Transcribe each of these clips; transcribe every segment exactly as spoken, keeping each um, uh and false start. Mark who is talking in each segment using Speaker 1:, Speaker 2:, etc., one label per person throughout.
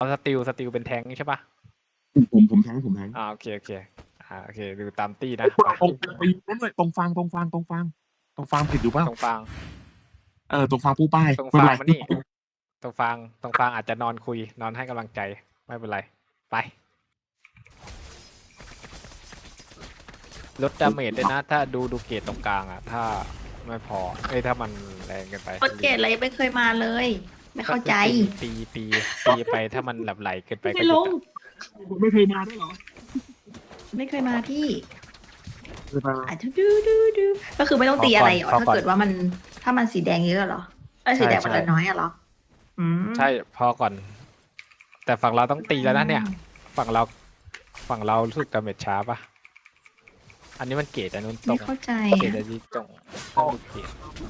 Speaker 1: เอาสติลสติลเป็นแทงใช่ปะ
Speaker 2: ผมผมแทงผมแทง
Speaker 1: อ่าโอเคโอเคอ่าโอเคดูตามตี้นะ
Speaker 2: ตรงไปนั่นเลยตรงฟางตรงฟางตรงฟางตรงฟางผิดอยู่เปล่า
Speaker 1: ตรงฟาง
Speaker 2: เออตรงฟางปูป้าย
Speaker 1: ตรง
Speaker 2: ไม่เป็นไร
Speaker 1: ฟางมานี่ตรงฟางตรงฟางอาจจะนอนคุยนอนให้กำลังใจไม่เป็นไรไปลดดาเมจด้วยนะถ้าดูดูเกตตรงกลางอ่ะถ้าไม่พอเอ้ยถ้ามันแรงเกินไป
Speaker 3: โปรเจกต์อะไรไม่เคยมาเลย ไม่เข้าใจ
Speaker 1: ตีตีตีไปถ้ามันหลับไหลเกินไปก็
Speaker 3: ไม่
Speaker 1: ห
Speaker 3: ล
Speaker 1: ยุด
Speaker 3: ง
Speaker 1: อะ
Speaker 2: ผมไม่เคยมาด้วยเหรอ
Speaker 3: ไม่เคยมาพี่
Speaker 2: เคยมา
Speaker 3: อาจจะดูดูดูก็คือไม่ต้องตีอะไรเหรอถ้าเกิดว่ามันถ้ามันสีแดงเยอะเหรอเออสีแดงมันน้อยอะเหรออืม
Speaker 1: ใช่พอก่อน แต่ฝั่งเราต้องตีแล้วนะเนี่ย ฝั่งเราฝั่งเรารู้สึกดาเมจช้าปะอันนี้มันเกตอันนู้นตร
Speaker 3: ไม่
Speaker 1: ง
Speaker 3: เข้าใจ
Speaker 1: เกต
Speaker 3: อะ
Speaker 1: อันนี้ตรงต้องดูเกต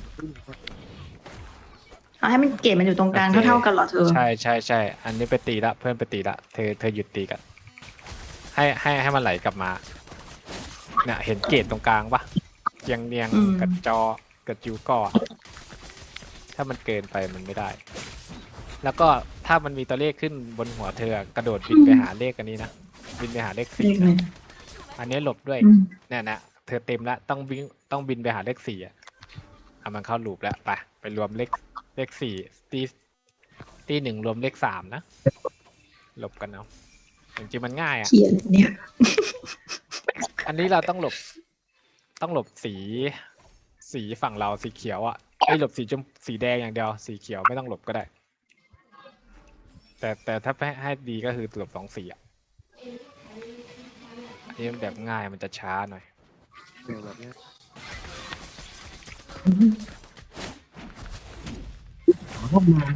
Speaker 3: เอาให้มันเกรดมันอยู่ตรงกลางเท่าๆกันเหรอเธอ
Speaker 1: ใช่ใช่ใช่อันนี้ไปตีละเพื่อนไปตีละเธอเธอหยุดตีกันให้ให้ให้มันไหลกลับมาเนี่ยเห็นเกตตรงกลางปะเรียงเรียง
Speaker 3: อืม
Speaker 1: กับจอกับจิวก่อถ้ามันเกินไปมันไม่ได้ แล้วก็ถ้ามันมีตัวเลขขึ้นบนหัวเธอกระโดดบินไปหาเลขอันนี้นะบินไปหาเลขสี่
Speaker 3: นี่ไง
Speaker 1: นะอันนี้หลบด้วย
Speaker 3: อืม
Speaker 1: เนี่ยนะเธอเต็มแล้วต้องบินต้องบินไปหาเลขสี่อ่ะเอามันเข้าลูปแล้วไปไปรวมเลขเลขสี่ตีตีหนึ่งรวมเลขสามนะหลบกันเอาจริงๆมันง่ายอ่ะ
Speaker 3: เขียนเนี่ย
Speaker 1: อันนี้เราต้องหลบ ต้องหลบสี สีฝั่งเราสีเขียวอ่ะไอ้ยหลบสีชมสีแดงอย่างเดียว สีเขียวไม่ต้องหลบก็ได้ แต่แต่ถ้าให้ให้ดีก็คือหลบสองสีอ่ะอันนี้แบบง่ายมันจะช้าหน่อย
Speaker 2: แบบเนี้ยเข้ามาเลย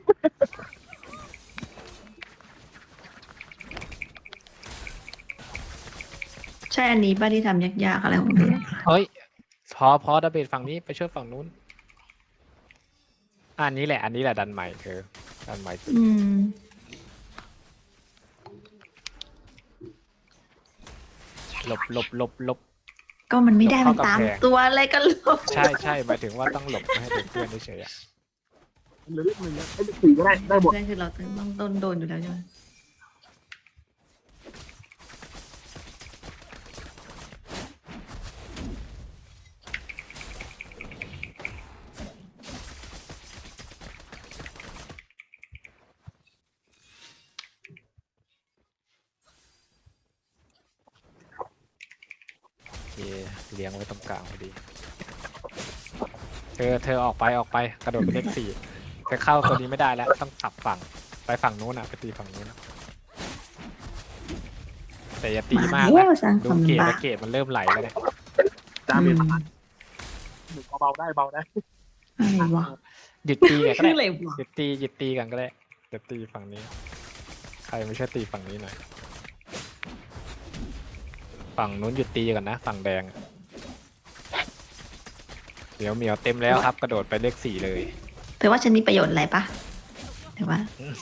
Speaker 3: ใช่อันนี้ป้าที่ทำยากๆอะไรของเธอ
Speaker 1: เฮ้ย พอพอดับเบิลฝั่งนี้ไปช่วยฝั่งนู้น อันนี้แหละ อันนี้แหละดันใหม่เธอดันใหม่สุด
Speaker 3: อืม
Speaker 1: หลบหลบหลบหลบ
Speaker 3: ก็มันไม่ได้
Speaker 1: ยก
Speaker 3: มัน
Speaker 1: เข้ากำ
Speaker 3: ตาม
Speaker 1: แพง
Speaker 3: ตัวอะไรกันหรอก
Speaker 1: ใช่ใช่หมายถึงว่าต้องหลบไม่ให้เป็นเพื่อนเฉยๆอะ
Speaker 2: เหลือเลขหนึ่งนะไอ้เลขสี่ก็ได้ได้หมด
Speaker 3: เพื่อนคือเราต้องโดนโดนอยู่แล้วใช่ไหม
Speaker 1: โอเคเลี้ยงไว้ตรงกลางพอดี เธอเธอออกไปออกไปกระโดดไปเลขสี่เธอเข้าตัวนี้ไม่ได้แล้วต้องกลับฝั่งไปฝั่งนู้นอ่ะไปตีฝั่งนู้นอะแต่อย่าตีมาก
Speaker 3: แล้
Speaker 1: นะ
Speaker 3: วสร้างค
Speaker 1: ดู
Speaker 3: วาม
Speaker 1: เกต
Speaker 3: ลำบา
Speaker 1: แล้
Speaker 3: ก
Speaker 1: วเกตมันเริ่มไหลแล้วเนี่ย
Speaker 2: ดาเมจ
Speaker 3: อื
Speaker 2: ประมาณหนึ่งเบาๆได้เบาได้
Speaker 3: อะไรวะ
Speaker 1: หยุดตีกันก็
Speaker 3: คือ
Speaker 1: ได้
Speaker 3: อะไรวะ
Speaker 1: หยุดตีหยุดตีกันก็ได้หยุดตีฝั่งนี้ ใครไม่ช่วยตีฝั่งนี้หน่อยฝั่งนู้นหยุดตีกันนะฝั่งแดงอะเหมียวเหมียวเต็มแล้วครับ กระโดดไปเลขสี่เลย
Speaker 3: เธอว่าฉันมีประโยชน์อะไรปะเธอว่า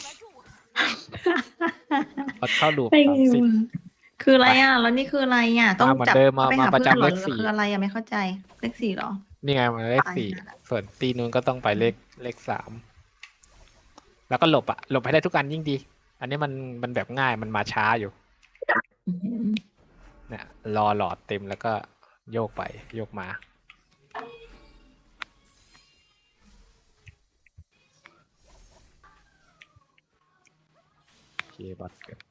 Speaker 1: พอเข้าลูป
Speaker 3: ไป
Speaker 1: สามสิบ
Speaker 3: คืออะไรอ่ะ แล้วนี่คืออะไรอ่ะ ต้อง
Speaker 1: มาเหมือน
Speaker 3: จับ
Speaker 1: เดิมมา
Speaker 3: ไป
Speaker 1: มา
Speaker 3: หา
Speaker 1: ประ
Speaker 3: เพื่อน
Speaker 1: จำ
Speaker 3: เหร
Speaker 1: เล
Speaker 3: อ
Speaker 1: ข
Speaker 3: หรือ
Speaker 1: สี่
Speaker 3: คืออะไรอ่ะไม่เข้าใจ เลขสี่เหรอ
Speaker 1: นี่ไงมันเลขสี่ส่วนตีนู้นก็ต้องไปเลขเลขสามแล้วก็หลบอะหลบให้ได้ทุกอันยิ่งดี อันนี้มันมันแบบง่ายมันมาช้าอยู่
Speaker 3: อืม
Speaker 1: เนี่ยรอหลอดเต็มแล้วก็โยกไปโยกมาโอเคบอสเกิด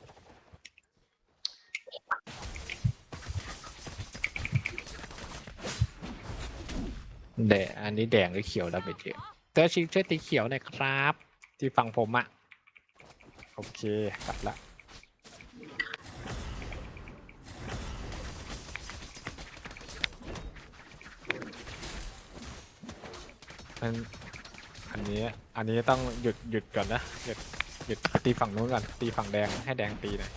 Speaker 1: แดงอันนี้แดงหรือเขียวดาเมจเยอะเตอร์ชิงช่วยตีเขียวหน่อยครับ ที่ฝั่งผมอะโอเคกลับละมันอันนี้อันนี้ต้องหยุดหยุดก่อนนะหยุดหยุดตีฝั่งนู้นก่อนตีฝั่งแดงให้แดงตีหน่อย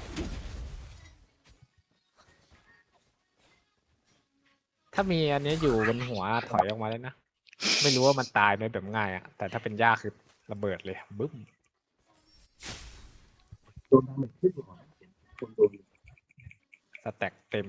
Speaker 1: ถ้ามีอันนี้อยู่บนหัวถอยออกมาเลยนะไม่รู้ว่ามันตายไหมแบบง่ายอะแต่ถ้าเป็นยากคือระเบิดเลยบึ้ม
Speaker 2: โดนดาเมจขึ้นก่อนคนโดน
Speaker 1: สแต็กเต็ม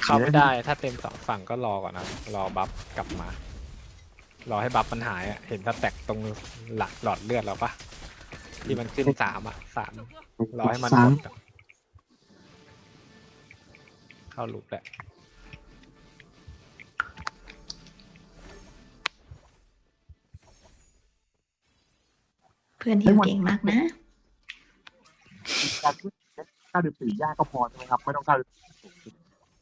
Speaker 1: เข้าไม่ได้ ถ้าเต็มสองฝั่งก็รอก่อนนะ รอบัฟกลับมา รอให้บัฟมันหายอะเห็นสแต็กตรงหลักหลอดเลือดเราปะที่มันขึ้นสามอ่ะสามรอให้มันหมดอะเข้าลูปแหละ
Speaker 3: เพื่อนทีมเก่งมากนะ
Speaker 2: การที่เก้าสิบสี่ยากก็พอใช่ไหมครับ ไม่ต้องเก้าสิบสี่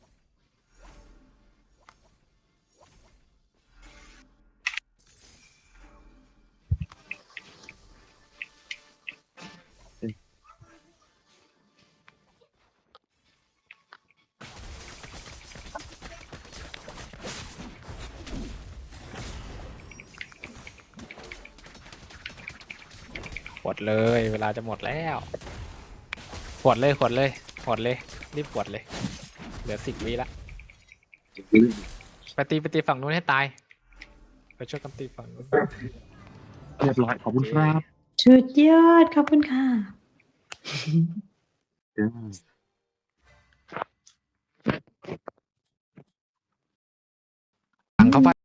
Speaker 1: หวดเลยเวลาจะหมดแล้วหวดเลยหวดเลยหวดเลยรีบหวดเลยเหลือสิบวิละไปตีไปตีฝั่งนู้นให้ตายไปช่วยกันตีฝั่งนู้น
Speaker 2: เรียบร้อยขอบคุณครับ
Speaker 3: สุดยอดขอบคุณค่ะ
Speaker 1: ฝั่งเขาไป